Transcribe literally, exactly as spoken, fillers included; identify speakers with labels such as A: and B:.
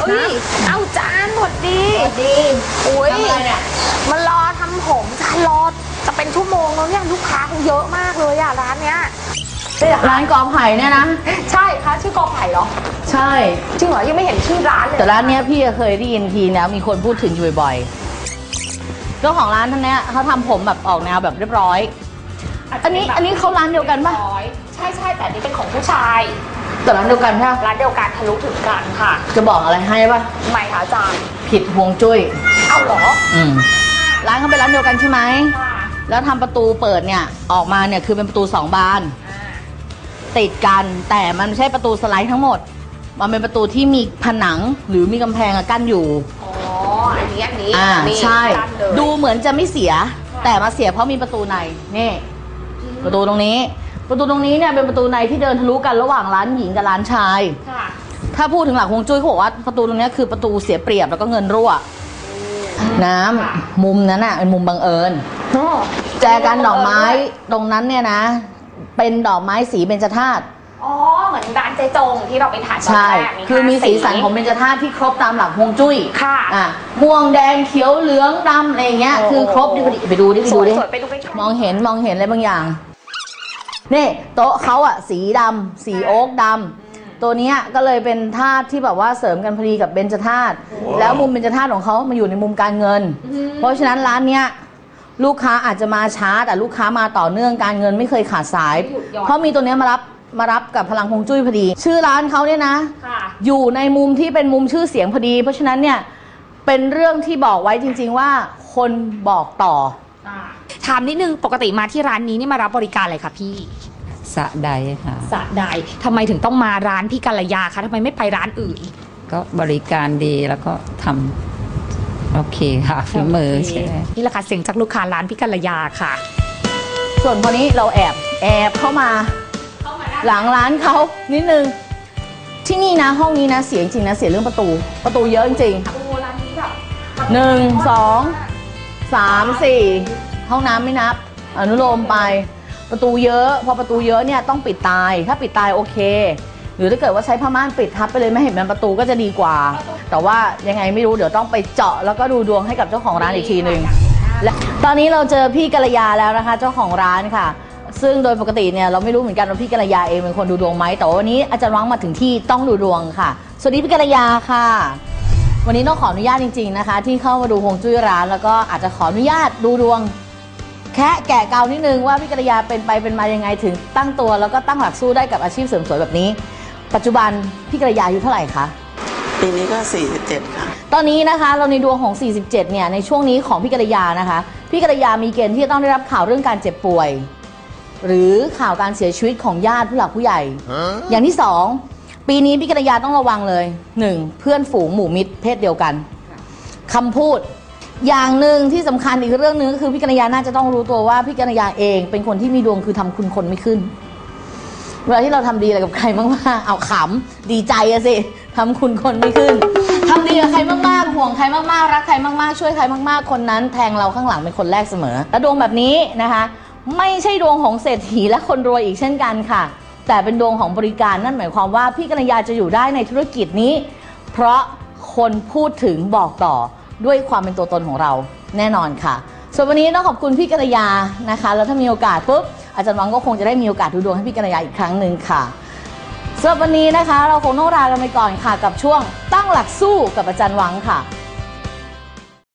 A: อุ้ยเอาจานหมดดีดีอุ้ยมันรอทำผมจานรอจะเป็นชั่วโมงแล้วเนี่ยลูกค้าเยอะมากเลยอ่ะร้านเนี้ย
B: ร้านกอไผ่เนี่ยนะ
A: ใช่ค่ะชื่อกอไผ่เหรอ
B: ใช่
A: จริงเหรอยังไม่เห็นชื่อร้านเลย
B: แต่ร้านเนี้ยพี่เคยได้ยินทีนะมีคนพูดถึงอยู่บ่อยๆเจ้าของร้านท่านเนี้ยเขาทำผมแบบออกแนวแบบเรียบร้อยอันนี้อันนี้เขาร้านเดียวกันปะ
A: ใช่ใช่แต่นี่เป็นของผู้ชาย
B: แต่ร้านเดียวกันใช่ไหม
A: ร้านเดียวกันทะลุถึงกันค่ะ
B: จะบอกอะไรให้ปะ
A: ไม่ค่ะอาจารย์
B: ผิดฮวงจุ้ย
A: เอาเหรอ
B: อืมร้านเขาเป็นร้านเดียวกันใช่ไหมแล้วทำประตูเปิดเนี่ยออกมาเนี่ยคือเป็นประตูสองบานติดกันแต่มันไม่ใช่ประตูสไลด์ทั้งหมดมันเป็นประตูที่มีผนังหรือมีกำแพงกั้นอยู่
A: อ๋ออันนี้อันนี้
B: อ่าใช่ดูเหมือนจะไม่เสียแต่มาเสียเพราะมีประตูในนี่ประตูตรงนี้ประตูตรงนี้เนี่ยเป็นประตูในที่เดินทะลุกันระหว่างร้านหญิงกับร้านชายถ้าพูดถึงหลักฮวงจุ้ยเขาบอกว่าประตูตรงนี้คือประตูเสียเปรียบแล้วก็เงินรั่วน้ำมุมนั้นอ่ะเป็นมุมบังเอิญแจกันดอกไม้ตรงนั้นเนี่ยนะเป็นดอกไม้สีเบญจธาตุ
A: อ๋อเหมือนร้านเจจงที่เราไปถ่ายตอนแรก
B: คือมีสีสันของเบญจธาตุที่ครบตามหลักฮวงจุ้ย
A: ค่ะ
B: อ่ะม่วงแดงเขียวเหลืองดำอะไรเงี้ยคือครบดิไปดูดิไปดูดิมองเห็นมองเห็นอะไรบางอย่างนี่โต๊ะเขาอะสีดำสีโอ๊กดำตัวนี้ก็เลยเป็นธาตุที่แบบว่าเสริมกันพอดีกับเบญจธาตุแล้วมุมเบญจธาตุของเขามาอยู่ในมุมการเงินเพราะฉะนั้นร้านเนี้ยลูกค้าอาจจะมาช้าแต่ลูกค้ามาต่อเนื่องการเงินไม่เคยขาดสายเพราะมีตัวนี้มารับมารับกับพลังฮวงจุ้ยพอดีชื่อร้านเขาเนี่ยนะอยู่ในมุมที่เป็นมุมชื่อเสียงพอดีเพราะฉะนั้นเนี่ยเป็นเรื่องที่บอกไว้จริงๆว่าคนบอกต่อ
A: ถามนิดนึงปกติมาที่ร้านนี้นี่มารับบริการอะไรคะพี่
C: สะใดค่ะ
A: สะใดทำไมถึงต้องมาร้านพี่กัลยาคะทำไมไม่ไปร้านอื่น
C: ก็บริการดีแล้วก็ทำโอเคค่ะฝีมือใช่
A: นี่แหละค่ะเสียงจากลูกค้าร้านพี่กัลยาค่ะ
B: ส่วนคนนี้เราแอบแอบเข้ามาหลังร้านเขานิดนึงที่นี่นะห้องนี้นะเสียจริงนะเสียเรื่องประตูประตูเยอะจริงหนึ่งสองสามสี่ห้องน้ำไม่นับอนุโลมไปประตูเยอะพอประตูเยอะเนี่ยต้องปิดตายถ้าปิดตายโอเคหรือถ้าเกิดว่าใช้ผ้าม่านปิดทับไปเลยไม่เห็นเป็นประตูก็จะดีกว่าแต่ว่ายังไงไม่รู้เดี๋ยวต้องไปเจาะแล้วก็ดูดวงให้กับเจ้าของร้านอีกทีหนึ่งและตอนนี้เราเจอพี่กัลยาแล้วนะคะเจ้าของร้านค่ะซึ่งโดยปกติเนี่ยเราไม่รู้เหมือนกันว่าพี่กัลยาเองเป็นคนดูดวงไหมแต่วันนี้อาจารย์วังมาถึงที่ต้องดูดวงค่ะสวัสดีพี่กัลยาค่ะวันนี้ต้องขออนุญาตจริงๆนะคะที่เข้ามาดูฮวงจุ้ยร้านแล้วก็อาจจะขออนุญาตดูดวงแค่แกะเกานิดนึงว่าพี่กัลยาเป็นไปเป็นมายังไงถึงตั้งตัวแล้วก็ตั้งหลักสู้ได้กับอาชีพเสริมสวยแบบนี้ปัจจุบันพี่กัลยาอายุเท่าไหร่คะ
D: ปีนี้ก็สี่สิบเจ็ดค่ะ
B: ตอนนี้นะคะเราในดวงของสี่สิบเจ็ดเนี่ยในช่วงนี้ของพี่กัลยานะคะพี่กัลยามีเกณฑ์ที่จะต้องได้รับข่าวเรื่องการเจ็บป่วยหรือข่าวการเสียชีวิตของญาติผู้หลักผู้ใหญ่ อย่างที่สองปีนี้พี่กัลยาต้องระวังเลยหนึ่งเพื่อนฝูงหมู่มิตรเพศเดียวกันคำพูดอย่างหนึ่งที่สำคัญอีกเรื่องนึงก็คือพี่กัลยาน่าจะต้องรู้ตัวว่าพี่กัลยาเองเป็นคนที่มีดวงคือทำคุณคนไม่ขึ้นเวลาที่เราทำดีอะไรกับใครมากๆเอาขำดีใจอะสิทำคุณคนไม่ขึ้นทำดีกับใครมากๆห่วงใครมากๆรักใครมากๆช่วยใครมากๆคนนั้นแทงเราข้างหลังเป็นคนแรกเสมอและดวงแบบนี้นะคะไม่ใช่ดวงของเศรษฐีและคนรวยอีกเช่นกันค่ะแต่เป็นดวงของบริการนั่นหมายความว่าพี่กัลยาจะอยู่ได้ในธุรกิจนี้เพราะคนพูดถึงบอกต่อด้วยความเป็นตัวตนของเราแน่นอนค่ะส่วนวันนี้ต้องขอบคุณพี่กัลยานะคะแล้วถ้ามีโอกาสปุ๊บอาจารย์วังก็คงจะได้มีโอกาสดูดวงให้พี่กัลยาอีกครั้งหนึ่งค่ะสำหรับวันนี้นะคะเราคงต้องลากันไปก่อนค่ะกับช่วงตั้งหลักสู้กับอาจารย์วังค่ะ